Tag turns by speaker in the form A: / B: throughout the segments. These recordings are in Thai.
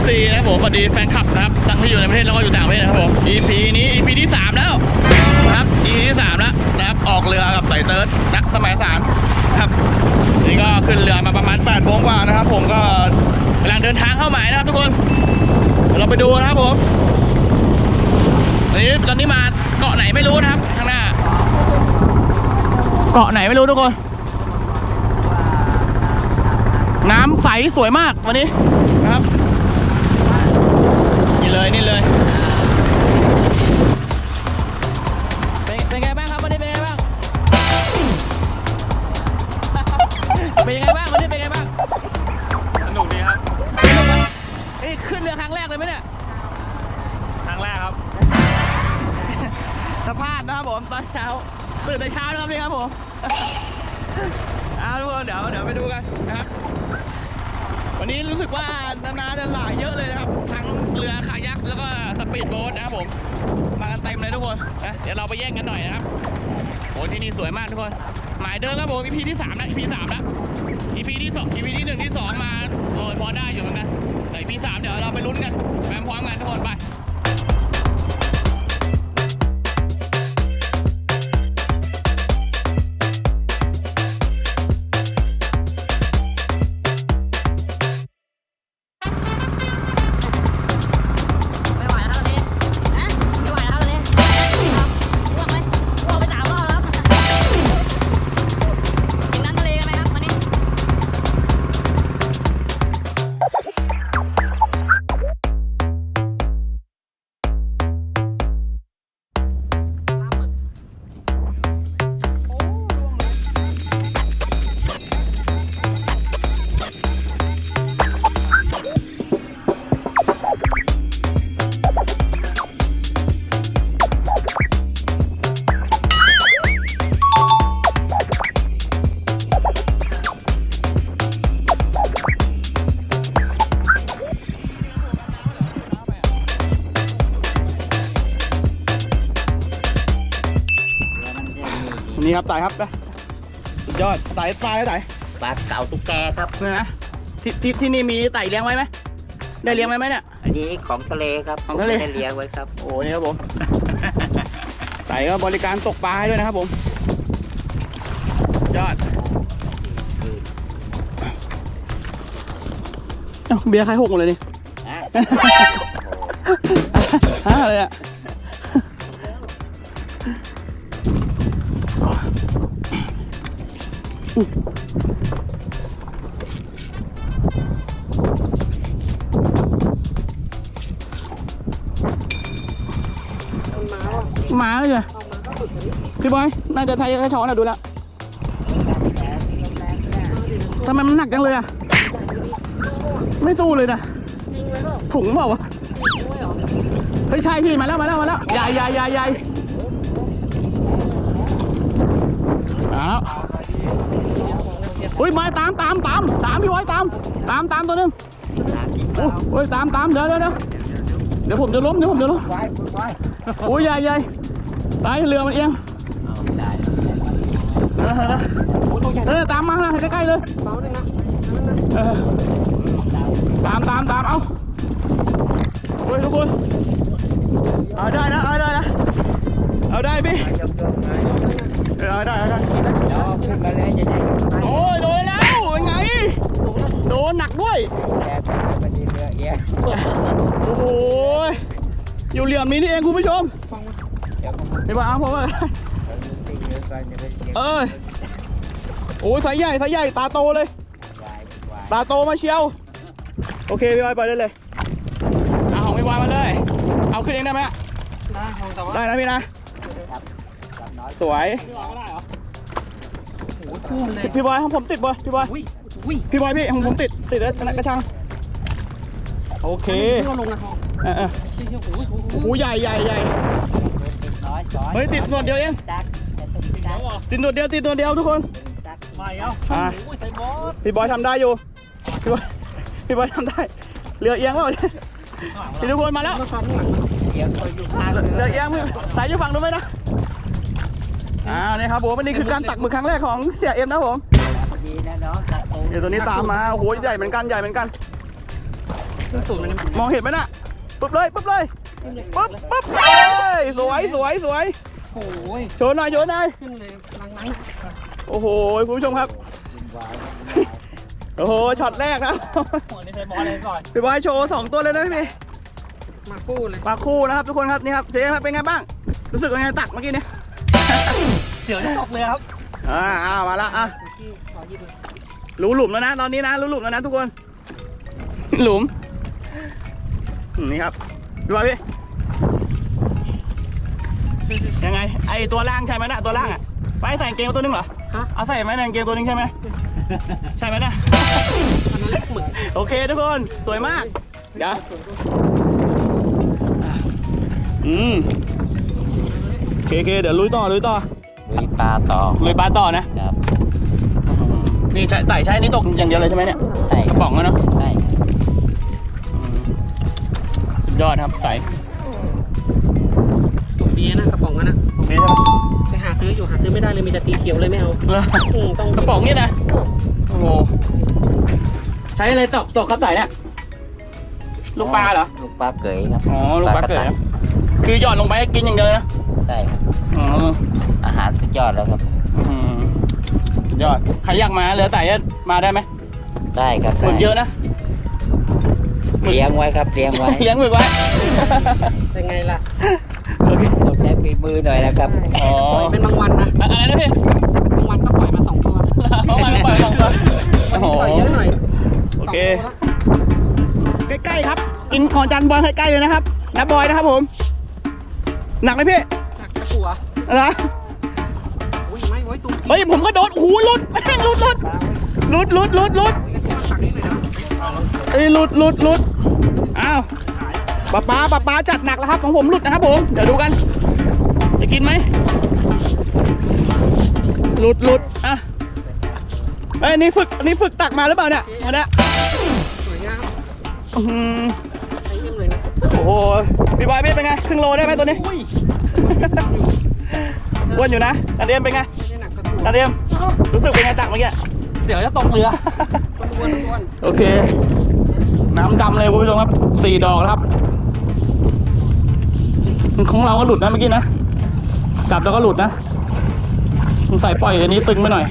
A: FC นะครับผมสวัสดีแฟนคลับนะครับทั้งที่อยู่ในประเทศแล้วก็อยู่ต่างประเทศนะครับผม EP นี้ EP ที่ 3 แล้วนะครับ EP ที่ 3 แล้วนะครับออกเรือกับไต่เติร์ดนักสมัย3ครับนี่ก็ขึ้นเรือมาประมาณ8 โมงกว่านะครับผมก็กำลังเดินทางเข้าหมายนะครับทุกคนเราไปดูนะครับผมตอนนี้มาเกาะไหนไม่รู้นะครับข้างหน้าเกาะไหนไม่รู้ทุกคนน้ำใสสวยมากวันนี้นะครับนี่เลยเป็นไงบ้างครับวันนี้เป็นไงบ้างเป็นยังไงบ้างวันนี้เป็นไงบ้างสนุกดีครับขึ้นเรือครั้งแรกเลยไหมเนี่ยครั้งแรกครับสภาพนะครับผมตอนเช้าตื่นแต่เช้านะครับนี่ครับผมทุกคนเดี๋ยวไปดูกันนะครับวันนี้รู้สึกว่านาจะหลายเยอะเลยนะครับทั้งเรือคายักแล้วก็สปีดโบ๊ทนะครับผมมากันเต็มเลยทุกคนนะเดี๋ยวเราไปแย่งกันหน่อยนะครับโอ้ที่นี่สวยมากทุกคนหมายเดิมครับผม EP ที่ 3 นะ EP 3 นะ EP ที่ 2 EP ที่ 1 ที่ 2 มาโอ้ยพอได้อยู่เหมือนกันแต่ EP 3 เดี๋ยวเราไปลุ้นกันไปพร้อมกันทุกคนไปนี่ครับไต่ครับสุดยอดไต่ปลา
B: ปลาเก๋าตุ๊กแกครับ
A: นะที่นี่มีไต่เลี้ยงไว้ไหมได้เลี้ยงไว้ไหมเนี่ย
B: อันนี้ของทะเลครับ
A: ของทะเล
B: ได้เลี้ยงไว้ครับ
A: โอ้นี่ครับผมไต่ก็บริการตกปลาให้ด้วยนะครับผมยอดเบียร์ใครหกหมดเลยนี่อะไรอะหมาเลยพี่บอยน่าจะใช้ช้อนนะดูแล้วทำไมมันหนักจังเลยอ่ะไม่สู้เลยนะถุงเปล่าวะเฮ้ยใช่พี่มาแล้วใหญ่เอาอุ้ยมาตามพี่บอยตามตัวนึงโอ้ยตามเดี๋ยวผมจะล้มโอ้ยใหญ่ตายเรือมันเอียงตามมาใกล้ๆเลยตามเอาโอ้ยทุกคนเอาได้นะเอาได้พี่เอาได้โอ้ยโดนแล้วเป็นไงโดนหนักด้วยโอ้โหอยู่เหลี่ยมนี้นี่เองคุณผู้ชมเดี๋ยวเอาผมว่าโอ้ยสายใหญ่ตาโตเลยตาโตมาเชียวโอเคพี่บอยไปได้เลยเอาของพี่บอยมาเลยเอาขึ้นเองได้ไหมได้นะพี่นะสวยพี่บอยผมติดบอยพี่บอยพี่ผมติดแล้วกระชังโอเคโอ้ใหญ่เฮ้ยติดหนวดเดียวเองติดหนวดเดียวทุกคนพี่บอยทำได้อยู่พี่บอยทำได้เรือเอียงเปล่าพี่ทุกคนมาแล้วเรือเอียงสายอยู่ฝั่งนู้นไหมนะนี่ครับผมวันนี้คือการตักหมึกครั้งแรกของเสียเอ็มนะผมเดี๋ยวตัวนี้ตามมาโอ้โหใหญ่เหมือนกัน
C: ขึ้นตูดมัน
A: มองเห็นไหมน่ะปุ๊บเลยปุ๊บเลยปุ๊บปุ๊บเลยสวยสวยสวย
C: โอ้ย
A: โชว์หน่อยโชว์หน่อย
C: ขึ้นเลยลัง
A: โอ้โหคุณผู้ชมครับโอ้โหช็อตแรกครับ
C: หัวนี่ใช้บอลเลยก่อน
A: พี่บอยโชว์2ตัวเลยนะพี่
C: มาคู่เลย
A: มาคู่นะครับทุกคนครับนี่ครับเจ๊ครับเป็นไงบ้างรู้สึกยังไงตักเมื่อกี้เนี่ย
C: เดี๋ยวจะตกเลยครับ
A: มาละอ่ะ
C: ที่ขอหยิบเลย
A: รู้หลุมแล้วนะตอนนี้นะรู้หลุมแล้วนะทุกคน หลุมนี่ครับดูมาพี่ยังไงไอตัวล่างใช่ไหมนะตัวล่างอ่ะไปใส่กางเกงตัวนึงเหรอ
C: ฮะ
A: เอาใส่ไหมในกางเกงตัวนึงใช่ไหมใช่ไหมนะ
C: อันนั้นหมึก
A: โอเคทุกคนสวยมากเดี๋ยวโอเคเดี๋ยวลุยต่อ
B: ลุยปลาต่อ
A: ลุยปลาต่อนะครับ นี่ใส่ใช้นี่ตกอย่างเดียวเลยใช่ไหมเนี่ย
B: ใช่
A: กระป๋องอะเนาะ
B: ใช่
A: สุดยอดครับใส่
C: ตกดีนะกระป๋องนั้นนะ
A: โอเคใช่ไหม
C: ไปหาซื้ออยู่หาซื้อไม่ได้เลยมีแต่สีเขียวเลยไม่เอา ต้อง
A: กระป๋องนี่นะโอ้โหใช้อะไรตกครับใส่เนี่ยลูกปลาเหรอ
B: ลูกปลาเกยครับ
A: อ๋อลูกปลาเกิดนะคือหย่อนลงไปกินอย่างเดียวเลยนะ
B: ใช่ครับ
A: อ๋อ
B: อาหารสุดยอดแล้วครับ
A: สุดยอดใครอยากมาเหลือใส่มาได้ไหม
B: ได้ครับ
A: หมึกเยอะนะ
B: เลี้ยงไว้ครับเลี้ยงไว้
A: เลี้ยงหมึกไว้
C: เป็นไงล่ะ
A: โอเค
B: ต้องใช้ฝีมือหน่อยนะครับ
A: อ๋อ
C: ปล่อยเป็นบางวันนะ
A: อะไรนะพี่
C: บางวันก็ปล่อยมา2 ตัว
A: เขามาปล่อยลงตัวโอ้โห
C: ปล่อยเยอะหน่อย
A: โอเค ใกล้ๆครับ กินของจันบอลใกล้ๆเลยนะครับนับบอยนะครับผม หนักไหมพี่
C: จากตะกัว
A: อะไรนะ
C: อุ้ยไม่ไว้ตุ้ม
A: เฮ้ยผมก็โดนโอ้โหหลุดแม่งหลุดตักนี่เลยนะเอ้ยหลุดอ้าวป้าจัดหนักแล้วครับของผมหลุดนะครับผมเดี๋ยวดูกัน จะกินไหมหลุดอ่ะเอ้ยอันนี้ฝึกตักมาหรือเปล่าเนี่ยมาเนี่ย
C: สวยงาม
A: อื้อหือ
C: ใช้เยี่ยมเลยนะ
A: โอ้โหพี่บอยเป็นไงครึ่งโลได้ไหมตัวนี้
C: อุ้ย
A: อ้วนอยู่นะนาเดียมเป็นไง
C: ไม่ได้หนักกระตัว
A: นาเดียมรู้สึกเป็นไงตักเมื่อกี้
C: เสียวจะตกเรืออ้วน
A: โอเค น้ำดำเลยคุณผู้ชมครับ4 ดอกแล้วครับ ของเราก็หลุดนะเมื่อกี้นะจับแล้วก็หลุดนะสงสัยปล่อยอันนี้ตึงไปหน่อย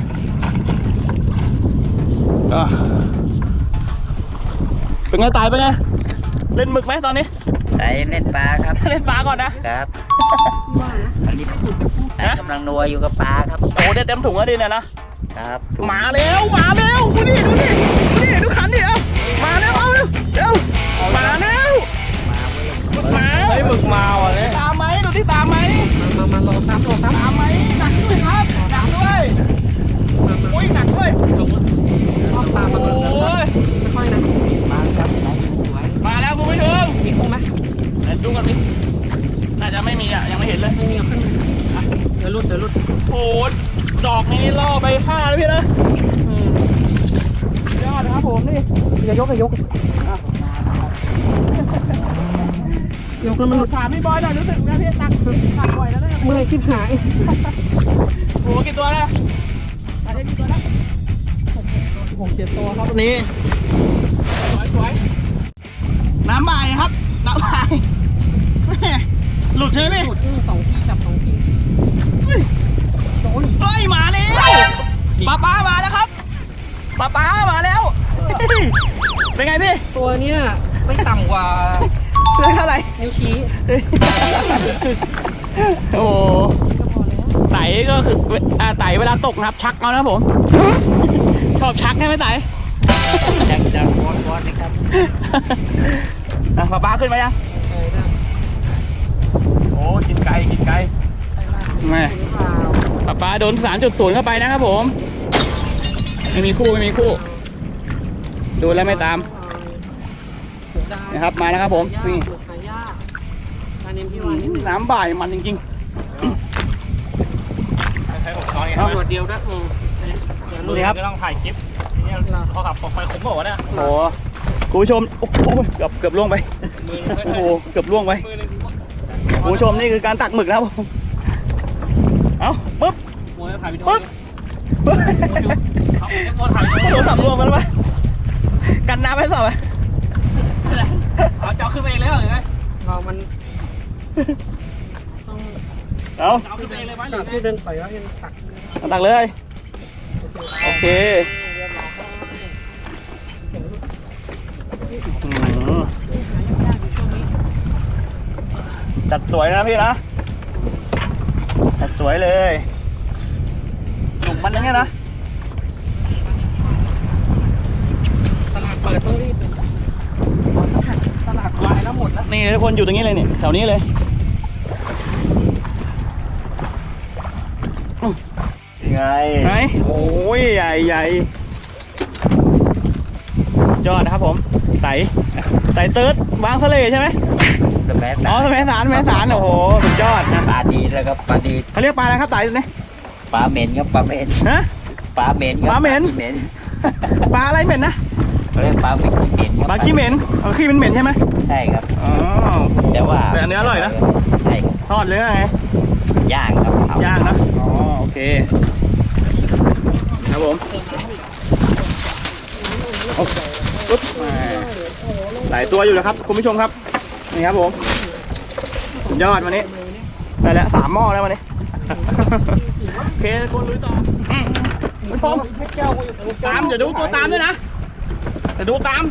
A: เป็นไงตายไปไงเล่นหมึกไหมตอนนี้
B: ใช้เล่นปลาครับ
A: เล่นปลาก่อนนะครับ
C: ว่านะ
B: อันนี้กำลังนัวอยู่กับปลาครับ
A: โอ้ได้เต็มถุงแล้วดิเนี่ยนะ
B: ครับ
A: มาแล้วดูนี่ดูขันดิเอามาแล้วเอาเร็วมาแล้วมาเฮ้ยหมึกมาว่ะเนี่ยตามไหมดูที่ตามไหม
C: มารอซ้ำ
A: ตามไหมหนักด้วยครับหนักด้วยอุ้ยหนักด้วย
C: ชอบตามมา
A: โอ้ย
C: ค่อยๆนะ
B: ปลาครับไหนสวย
A: มาแล้วคุณผู้ชม
C: มีคงไหม
A: เดี๋ยวดูกันดิน่าจะไม่มีอ่ะยังไม่เห็นเลย
C: ไม่มีเอาขึ้นเดี๋ยวรุด
A: โอ้ดอกนี้ล่อไป5แล้วพี่นะยอดนะครับผมนี่
C: อย่ายกยกแล้วมันหลุด
A: ถามพี่บอยหน่อยรู้สึกไงพี่ตักบ่อยแล้วเนี่ย
C: เมื่อยชิบหาย
A: โอ้กี่ตัวแล้วอันนี้กี่ตัวแล้ว
C: 6-7 ตัวครับนี้
A: สวยน้ำบ่ายครับน้ำบ่ายหลุดใช่ไหมพี่
C: หลุด2 ทีจับ2 ที
A: โดนเฮ้ยมาแล้วป้ามาแล้วครับป้ามาแล้ว เป็นไงพี่
C: ตัวเนี้ยไม่ต่ำกว่า
A: เรื่องเท่าไหร่
C: นิ้วชี้
A: โอ้
C: ก็พอแล้ว
A: ไต่ก็คือไต่เวลาตกนะครับชักเอานะครับผม ชอบชักใช่ไหมไต่
B: จังวอนนะครับ
A: ป้าขึ้นมายังโอ้กินไก่แม่ป้าโดน 3.0 เข้าไปนะครับผมไม่มีคู่ดูแล้วไม่ตามนะครับมานะครับผมนี่
C: หายากอันนี้พี่วานนิดนึง
A: น้ำบ่ายมันจริง
D: ใช้ผมตอนนี้
C: ตำรวจเดียวด้วย
A: นี่ครับ
D: ก็ต้องถ่ายคลิปนี่เขาขับไฟคุ้มบอกว่าเนี่ย
A: ๆโอ้คุณผู้ชมโอ้โหเกือบล่วงไป
D: มือ
A: โอ้โหเกือบล่วงไป
D: มือนึง
A: คุณผู้ชมนี่คือการตักหมึกนะครับผมเอาปึ๊บ
D: มวยถ่ายวิดีโอ
A: ปึ๊บปึ๊บ
D: เขาเอ็มโฟถ่าย
A: โทรศัพท์ล่วงมาแล้วปะกันน้ำให้สอบไป
D: ขึ้นไปเองเลยเหรอหรือไง
C: เรามันต้อง
A: เอา
D: เอาขึ้นไปเองเลยไหมหรื
C: ตั
D: อก ไง
C: ที่เดินไปว่ายังตัก
A: ตักเลยโอเคจัดสวยนะพี่นะจัดสวยเลยหนุกมันอย่างเงี้ยนะ
C: ตลาดเปิดต้องรีบตลาดวายแล้วหมดแล้ว
A: นี่ทุกคนอยู่ตรงนี้เลยนี่แถวนี้เลยยังไงไหนโอ้ยใหญ่ใหญ่ยอดนะครับผมไต่เติร์ดวางทะเลใช่ไหม
B: สมัย
A: อ๋อแม่สารโอ้โหสุดยอดนะ
B: ปลาดีแล้วก็ปลาดี
A: เขาเรียกปลาอะไรครับไต่เนี่ย
B: ปลาเหม็นครับปลาเหม็น
A: ฮะ
B: ปลาเหม็นครับ
A: ปลาเหม็น
B: เหม็น
A: ปลาอะไรเหม็นนะ
B: เขาเรียกปลาเหม็นขี้เหม็นครับ
A: ปลาขี้เหม็นอ๋อขี้มันเหม็นใช่ไหม
B: ใช่ครับ
A: อ๋อ
B: แต่ว่า
A: แต่อันนี้อร่อยนะ
B: ใช่ครับ
A: ทอดเลยว่าไง
B: ย่างครับเผ
A: ย่างนะอ๋อโอเคครับผมปุ๊บหลายตัวอยู่นะครับคุณผู้ชมครับนี่ครับผมสุดยอดวันนี้ได้แล้ว3 หม้อแล้ววันนี้โอเคคนลุยต่อคุณผู้ชมตามอย่าดูตัวตามด้วยนะอย่าดูตาม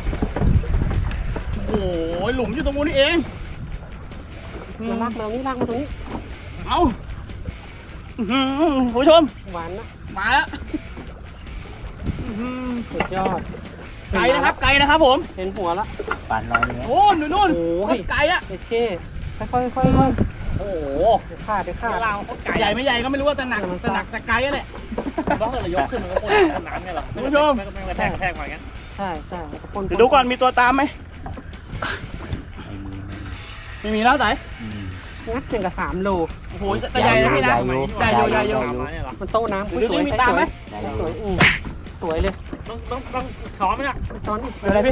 A: โอ้โหหลุมอยู่ตรงนู้นนี่เอง
C: ลากมานี่ลากมาตรงนี้
A: เอาอื้อหือคุณผู้ชม
C: หวานนะ
A: มาแล้วอื้อหือ
C: สุดยอด
A: ไกลนะครับไกลนะครับผม
C: เห็นหัวละ
B: ปลาน้อยเนี่ย
A: โอ้หนูนู่น
C: โอ้ย
A: ไกลอะ
C: โอเคค่อยๆค่อยๆ
A: โอ้โห
C: เดี๋ยวขาดเดี๋ยวขาด
D: เราไก่
A: ใหญ่ไม่ใหญ่ก็ไม่รู้ว่าแต่หนักแต่ไกลอะแหละ
D: ต้องเลยยกขึ้นมันก็คนน้ำไงหรอ
A: คุณผู้ชม
D: ไม่กระแทกมาอย่างเงี้ย
C: ใช่ใช่คน
A: เดี๋ยวดูก่อนมีตัวตามไหมไม่มีแล้วไหน
C: งัดถึงกับ3 โล
A: โอ้โหแต่ใหญ่นะพี่นะใหญ่อยู่ใหญ่อยู่
C: มันโต้น้ำ
A: ดูดิมีตามไหม
C: สวยสวยเลย
D: ต้องช้อนไหมเนี่ย
C: ตอนนี้
A: เป็นไรพี่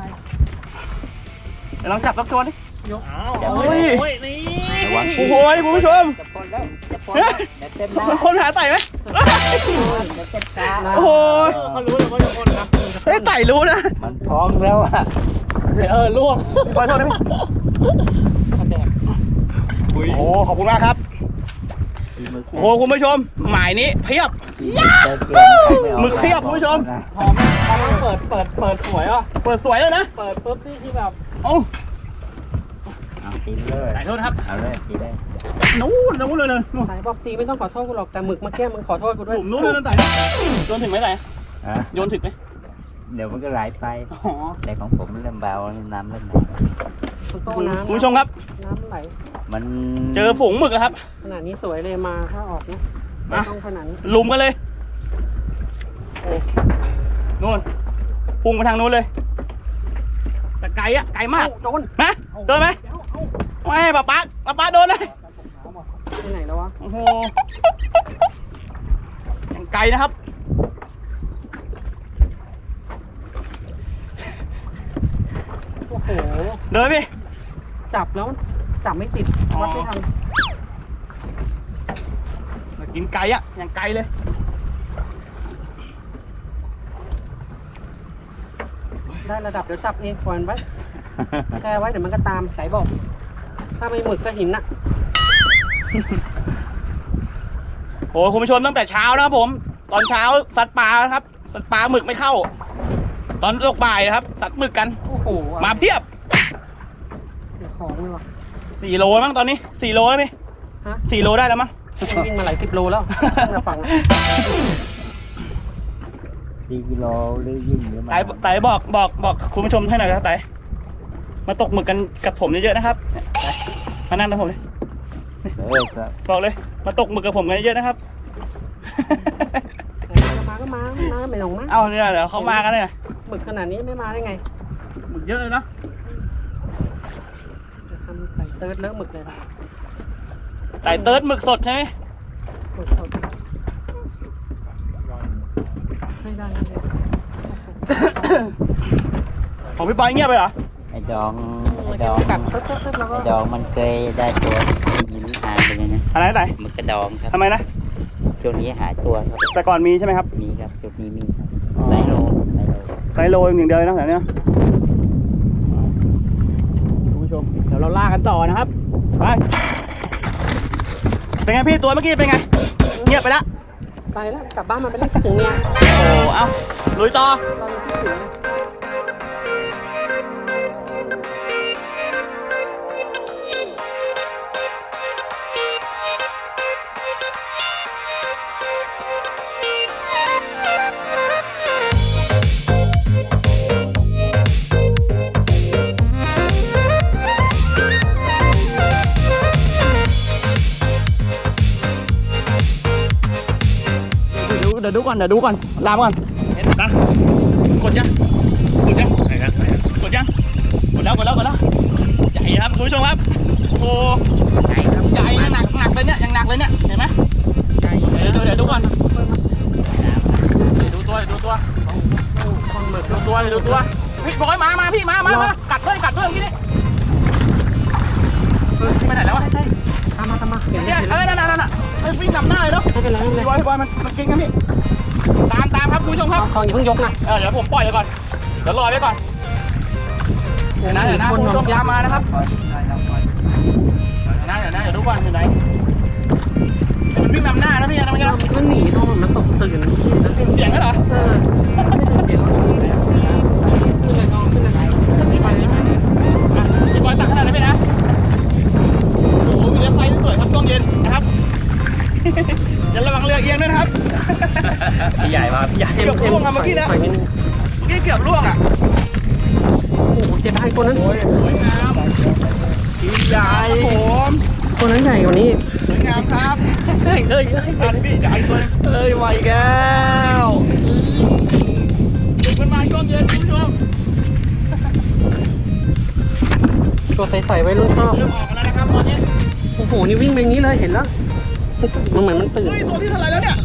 A: เดี๋ยวลองจับสักตัวดิ
D: อ้าว
A: โอ้ย
D: โอ้ยนี่
A: โอ้โหคุณผู้ชม
B: จะปนแล้วจะปนแล้วเดี๋ยวเต็มหน้า
A: คนหาไต่ไหม
B: เดี๋ยวเต็มตา
A: โอ้โห
D: เขารู้เลยว่าจะคนครับ
A: เฮ้ยไต่รู้นะ
B: มันพร้อมแล้วอ่ะ
D: ล่วง
A: ขอโทษนะพี่
C: กระแดก
A: โอ้โหขอบคุณมากครับโอ้โหคุณผู้ชมหมายนี้เพียบ หมึกเพียบคุณผู้ชม
C: หอมพอมันเปิดสวยอ่ะ
A: เปิดสวยเลยนะ
C: เปิดปุ๊บนี่คือแบบ
A: เอ้า
B: เอาตีเลย
A: ไต่โทษนะครับ
B: เอาเลยตีเลย
A: นู้นเลยเลยนู่น
C: ไหนบอกตีไม่ต้องขอโทษกูหรอกแต่หมึกเมื่อกี้มึงขอโทษกู
A: ห
C: ด้วย
A: ลุมนู้นเลยไต่โยนถึงไหมไต่
B: อ่ะ
A: โยนถึงไหม
B: เดี๋ยวมันก็ไหลไป
A: อ๋อ
B: แต่ของผมเริ่มเบาน้ำเริ่มไหล
C: มันโต้น้ำ
A: คุณผู้ชมครับ
C: น้ำไหล
B: มัน
A: เจอฝูงหมึกแล้วครับ
C: ขนาดนี้สวยเลยมาถ้าออกนะ
A: มา
C: ต้องขนาดนี้
A: ลุมกันเลยโอ้นู่นพุ่งไปทางนู้นเลยแต่ไกลอะไกลมาก
C: โดน
A: นะโดนไหมไม่ป้าโดนเลย
C: ไปไหนแล้ววะ
A: โอ้โหยังไกลนะครับ
C: โอ้โห
A: เดินพี่
C: จับแล้วจับไม่ติด
A: อ๋อ
C: วัดไม่ทัน
A: กินไกลอะยังไกลเลย
C: ได้ระดับเดี๋ยวจับเองปล่อยมันไว้แช่ไว้เดี๋ยวมันก็ตามสายบอก ถ้าไม่หมึกก็หินน่ะ
A: โอ้คุณผู้ชมตั้งแต่เช้านะครับผม ตอนเช้าสัตว์ปลาครับสัตว์ปลาหมึกไม่เข้า ตอนตกบ่ายนะครับ สัตว์หมึกกัน
C: โอ้โห
A: มาเพียบ
C: เดี๋ยวของเลยว่ะ
A: 4 โลมั้งตอนนี้4 โลแล้วพี่
C: ฮะ
A: 4 โลได้แล้วมั้ง
C: วิ่งมาหลาย10 โลแล้วตั้งแต่ฝั่ง
B: ตีกิโลหรือยิ่งหรือมา
A: ไต่บอกคุณผู้ชมให้หน่อยครับไต่มาตกหมึกกันกับผมเยอะๆนะครับมานั่งกับผมเลย
B: ครับ
A: บอกเลยมาตกหมึกกับผมกันเยอะๆนะครับ
C: ก็มาไม่ลงมา
A: เอาเนี่ยเดี๋ยวเขามากันเลย
C: หมึกขนาดนี้ไม่มาได้ไง
A: หมึกเยอะเลยนะ
C: จะทำใส่เติร์ดเลอะหมึกเลยครับ
A: ไต่เติร์ดหมึกสดใช่ไหม
C: หมึกสดให้ได้เลย
A: ของพี่ปอยเงียบไปเหรอ
B: ไอ้ดอง
C: กัดตึ๊บแล้วก็
B: ไอ้ดองมันเคยได้ตัวหินหายไปเลยนะ
A: อะไรนะไต่
B: หมึกกระดองครับ
A: ทำไมนะ
B: ช่วงนี้หายตัวครับ
A: แต่ก่อนมีใช่ไหมครับ
B: มีครับช่วงนี้มีครับไซโล
A: ไซโลอย่างเดียวเลยนะแถวเนี้ยเดี๋ยวเราล่ากันต่อนะครับ ไป เป็นไงพี่ตัวเมื่อกี้เป็นไง เงียบไปแล้ว
C: ไปแล้วกลับบ้านมาไปแล้วถึงเนี่ย
A: โอ้เอาลุยต่อ
C: เรายังคิดถึงเลย
A: เดี๋ยวดูก่อนลามก่อนนะกดยังกดยังกดยังกดแล้วใหญ่ครับคุณผู้ชมครับโอ้ใหญ่หนักเลยเนี่ยยังหนักเลยเนี่ยเห็นไหมเดี๋ยวดูก่อนดูตัวดูตัวพี่บอยมาพี่มากัดด้วยเมื่อกี้นี่ไปไหนแล้ววะ
C: ใช่ตามมาเห็นไหม
A: เนี่ยนั่นวิ่งนำหน้าเลยเนาะ
C: ไม่เป็นไรไม่เป็นไร
A: พี่บอยมันเก่งนะพี่ตามครับคุณผู้ชมครับ
C: คลองอย่าเพิ่งยกนะ
A: เดี๋ยวผมปล่อยไปก่อนเดี๋ยวรอไว้ก่อนเดี๋ยวนะคุณผู้ชมตามมานะครับเดี๋ยวดูก่อนอยู่ไหนมันวิ่งนำหน้านะพี่นะไม่ใช่
C: มันหนีตรงมันตกตื่น
A: เสียงก็เหรอ
C: ไม่ตื่นเสียงขึ้นเลยขึ้นเลยไปแล้ว
A: พี่บอยตักขนาดนี้ไหมนะโอ้โหมีเรือไฟสวยครับช่วงเย็นนะครับอย่าระวังเรือเอียงด้วยนะครับ
D: พี่ใหญ่มาพี่ใหญ่
A: เกือบล่วงอะเมื่อกี้นะเกือบล่วงอะ
C: โอ้โหเจ็บไอ้คนนั้น
A: สวยงามพี่ใหญ่ผม
C: คนนั้นใหญ่กว่านี้
A: สวยงามครับพี่จะเอาตัวนึง
D: ไหวแก้ว
A: ดึงมันมาช่วงเย็นคุณผู้ชม
C: ตัวใสๆไว้รุ่นชอบ
A: เริ่มออกกันแล้วนะครับตอนนี้
C: โอ้โหนี่วิ่งไปอย่างนี้เลยเห็นแล้วมันเหมือนมันตื่น
A: เฮ้ยตัวที่เท่าไหร่แล้วเนี่ย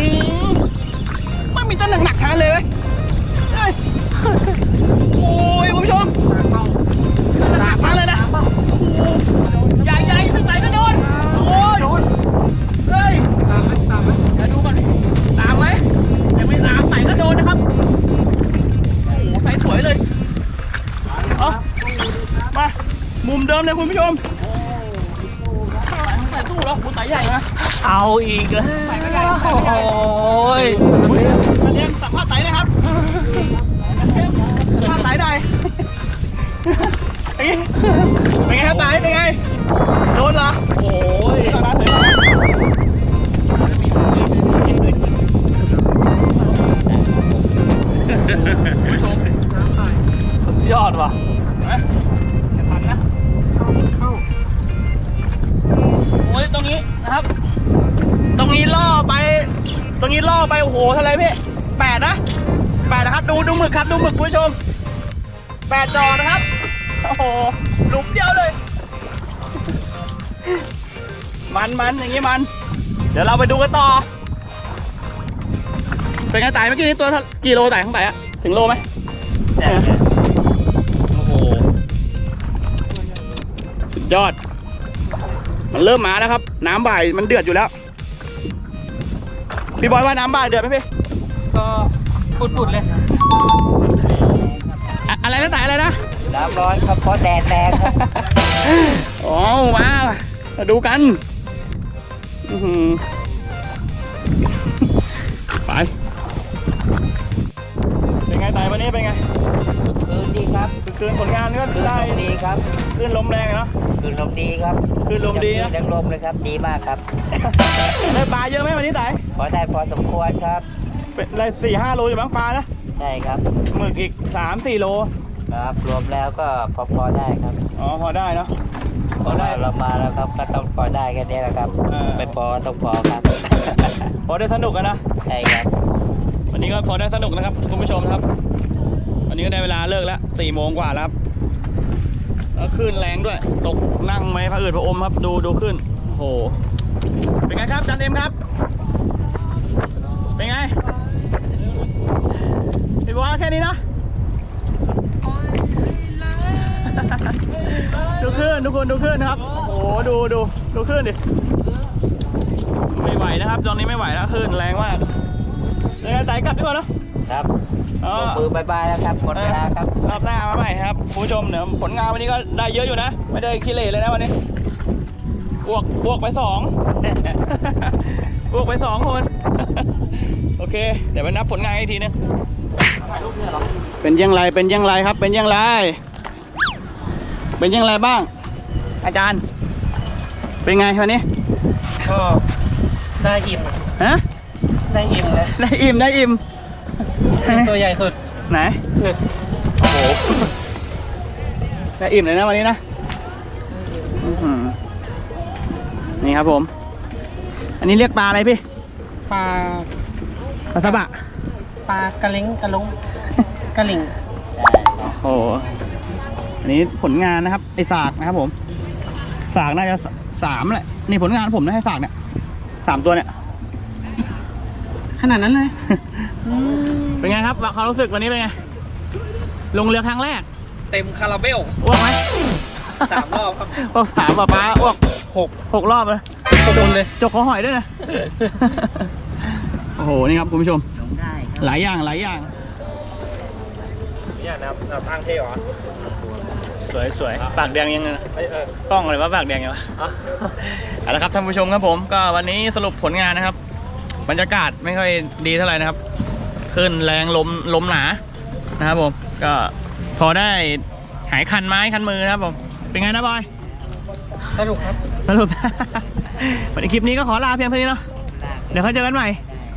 A: ไม่มีต้นหนักๆทานเลยเฮ้ยโอ้ยคุณผู้ชมหนักๆทานเลยนะใหญ่ๆขึ้นไหนก็โดนโอ้ยเฮ้ย
C: ตามไหม
A: เดี๋ยวดูก่อนตามไหมยังไม่ตามไหนก็โดนนะครับโอ้โหใส่สวยเลยเอามามุมเดิมเลยคุณผู้ชมใส่ตู้แล้วคุณใส่ใหญ่นะ
D: เอาอีกแล้วโอ้ย
A: กระเด็นสัมภาษณ์ไต่เลยครับสัมภาษณ์ไต่หน่อยเป็นไงครับไต่เป็นไงโดนเหรอโอ้ยถอยมา
D: สุดยอดว่ะ
A: จะทันนะ
C: เข้า
A: โอ้ยตรงนี้นะครับ ตรงนี้ล่อไปโอ้โหเท่าไรพี่8นะครับดูหมึกครับดูหมึกคุณผู้ชม8 จอนะครับโอ้โหหลุมเดียวเลยมันอย่างงี้มันเดี๋ยวเราไปดูกันต่อเป็นไงไต่เมื่อกี้นี้ตัวกี่โลไต่ข้างไต่อะถึงโลไหมโอ้โหสุดยอดมันเริ่มมาแล้วครับน้ำบ่ายมันเดือดอยู่แล้วพี่บอยว่าน้ำบ่ายเดือดไหมพี่
C: ก็ปุดๆเลย
A: อะไรนะไต่อะไรนะ
B: น้ำร้อนครับเพราะแดดแรงครับ
A: อ๋อมาดูกันไปเป็นไงไต่วันนี้เป็นไง
B: คืนดีครับ
A: คืนผลงานก็
B: คืน
A: ได้
B: ลมดีครับ
A: คืนลมแรงเนาะ
B: คืนลมดีครับ
A: คืนลมดีนะ
B: แรงลมเลยครับดีมากครับ
A: ได้ปลาเยอะไหมวันนี้ไต่
B: พอได้พอสมควรครับ
A: เป็นอะไร4-5 โลอยู่บ้างปลานะ
B: ใช่ครับ
A: หมึกอีก3-4 โล
B: ครับรวมแล้วก็พอได้ครับ
A: อ๋อพอได้เนาะ
B: พอได้เรามาแล้วครับก็ต้องพอได้แค่นี้แหละครับ ไม่พอต้องพอครับ
A: พอได้สนุกกันนะ
B: ใช่ครับ
A: วันนี้ก็พอได้สนุกนะครับคุณผู้ชมครับ วันนี้ก็ได้เวลาเลิกแล้ว4 โมงกว่าแล้วครับแล้วคลื่นแรงด้วย ตกนั่งไหมพระอืดพระอมครับดูขึ้นโอ้โหเป็นไงครับจันเอ็มครับ เป็นไงพี่บอกว่าแค่นี้นะ ดูขึ้นทุกคนดูขึ้นครับโอ้โหดูขึ้นดิไม่ไหวนะครับตอนนี้ไม่ไหวแล้วขึ้นแรงมากเลยไต่กลับดีกว่าเนอะ
B: ครับ
A: อ๋อ
B: มือบายบายแล้วครับหมดเวลาครับ
A: รอบหน้ามาใหม่ครับคุณผู้ชมเดี๋ยวผลงานวันนี้ก็ได้เยอะอยู่นะ ไม่ได้ขี้เหร่เลยนะวันนี้บวกไป2 บวกไป2 คน โอเค เดี๋ยวไปนับผลงานอีกทีนึงเป็นยังไงเป็นยังไงครับ เป็นยังไงเป็นยังไงบ้าง อาจารย์ เป็นไงวันนี้
C: ก็ได้อิ่ม
A: ฮะ
C: ได้อิ่มเลย
A: ได้อิ่มได้อิ่ม
C: ตัวใหญ่สุด
A: ไหน
C: เนี่ย
A: โอ้โหได้อิ่มเลยนะวันนี้นะอื้อหือนี่ครับผม อันนี้เรียกปลาอะไรพี่
C: ปลา
A: ปลาสบะ
C: ปลากระเล้งกระลงกระหลิง
A: โอ้โหอันนี้ผลงานนะครับไอสากนะครับผมสากน่าจะ3แหละนี่ผลงานผมนะให้สากเนี่ย3 ตัวเนี่ย
C: ขนาดนั้นเลย
A: เป็นไงครับความรู้สึกวันนี้เป็นไง ลงเรือครั้งแรก
D: เต็มคาราเบล
A: อ้วกไหม
D: 3 รอบครับ
A: อ้วก3ป้าอ้วก6 รอบเลย
C: โดนเลย
A: จกคอหอยด้วยนะ โอ้โห นี่ครับคุณผู้ชม
B: ลงได้ครับ
A: หลายอย่างหลายอย่าง
D: เนี่ยนะครับทางเท่หรอ
A: สวยปากแดงยังไงนะกล้องเลยว่าปากแดงยังวะเอาละครับท่านผู้ชมครับผมก็วันนี้สรุปผลงานนะครับ บรรยากาศไม่ค่อยดีเท่าไหร่นะครับคลื่นแรงลมหนานะครับผมก็พอได้หายคันไม้คันมือนะครับผมเป็นไงนะบอย
C: สนุกครับ
A: สรุป วันนี้คลิปนี้ก็ขอลาเพียงเท่านี้เนาะเดี๋ยวค่อยเจอกันใหม่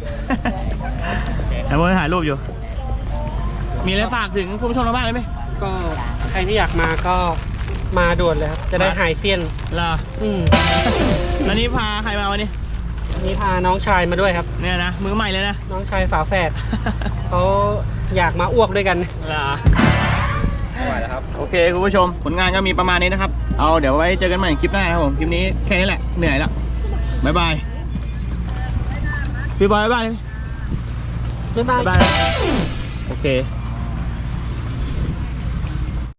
A: แต่บอยถ่ายรูปอยู่ มีอะไรฝากถึงคุณผู้ชมทางบ้านเลยไหม
C: ก็ใครที่อยากมาก็มาด่วนเลยครับ จะได้หายเซียน
A: ล่ะ แล้วนี้พาใครมาวันนี้
C: นี่พาน้องชายมาด้วยครับ
A: เนี่ยนะมือใหม่เลยนะ
C: น้องชายฝาแฝด เขาอยากมาอ้วกด้วยกัน
A: ล่ะ
D: ไม่ไหวแล้วครับ
A: โอเคคุณผู้ชมผลงานก็มีประมาณนี้นะครับเอาเดี๋ยวไว้เจอกันใหม่คลิปหน้าครับผมคลิปนี้แค่นี้แหละเหนื่อยแล้วบ๊ายบายพี่บอยบ๊ายบาย
C: บ๊ายบาย
A: บ๊ายบายโอเค